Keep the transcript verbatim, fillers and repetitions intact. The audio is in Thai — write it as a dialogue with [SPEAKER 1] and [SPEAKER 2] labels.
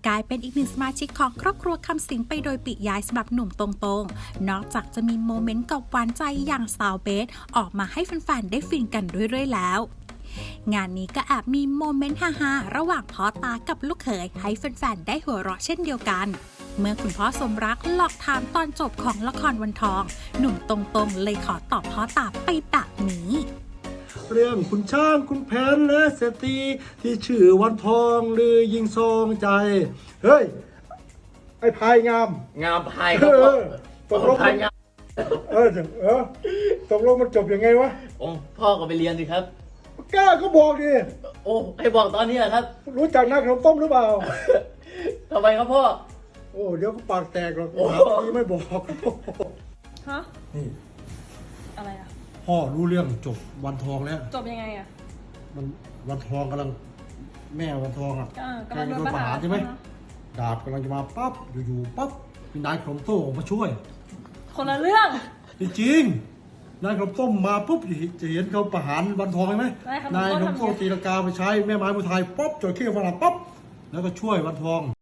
[SPEAKER 1] กลายเป็นอีกหนึ่งสมาชิกของครอบครัวคำสิงไปโดยปริยายสำหรับหนุ่มตรงๆนอกจากจะมีโมเมนต์กับหวานใจอย่างสาวเบสออกมาให้แฟนๆได้ฟินกันเรื่อยๆแล้วงานนี้ก็แอบมีโมเมนต์ฮาๆระหว่างพ่อตากับลูกเขยให้แฟนๆได้หัวเราะเช่นเดียวกันเมื่อคุณพ่อสมรักหลอกถามตอนจบของละครวันทองหนุ่มตรงๆเลยขอตอบพ่อตาไปแบบนี้
[SPEAKER 2] เรื่องคุณช่างคุณแผนและเศรษฐีที่ชื่อวันทองหรือยิงซองใจเฮ้ยไอ้พายงาม
[SPEAKER 3] งามพายครับพ่อ
[SPEAKER 2] ตกลง
[SPEAKER 3] พายงาม
[SPEAKER 2] เออเออตกลงมันจบยังไงวะ
[SPEAKER 3] โอ้พ่อก็ไปเรียนสิครับ
[SPEAKER 2] กล้าก็บอกดิ
[SPEAKER 3] โอ้ให้บอกตอนนี้ครับ
[SPEAKER 2] รู้จักนักขนมต้มหรือเปล่า
[SPEAKER 3] ทำไมครับพ่อ
[SPEAKER 2] โอ้เดี๋ยวก็ปากแตกหรอกทีไม่บอก
[SPEAKER 4] ฮะ
[SPEAKER 2] นี่
[SPEAKER 4] อะไรอ่ะ
[SPEAKER 2] พ่อรู้เรื่องจบวันทองแล้ว
[SPEAKER 4] จบยังไงอ่ะ
[SPEAKER 2] มันวันทองกำลังแม่วันทองอ่ะ
[SPEAKER 4] กำลังโดนประหาร
[SPEAKER 2] ใช่ไหมดาบกำลังจะมาปั๊บอยู่ๆปั๊บมีนายขนมต้มออกมาช่วย
[SPEAKER 4] คนละเรื่อง
[SPEAKER 2] จริงๆนายขนมต้มมาปุ๊บจะเห็นเขาประหารวันทองไหมนายขนมต้มตีลังกาไปใช้แม่ไม้มวยไทยป๊อบจอยเข้ฝรั่งป๊อบแล้วก็ช่วยวันทอง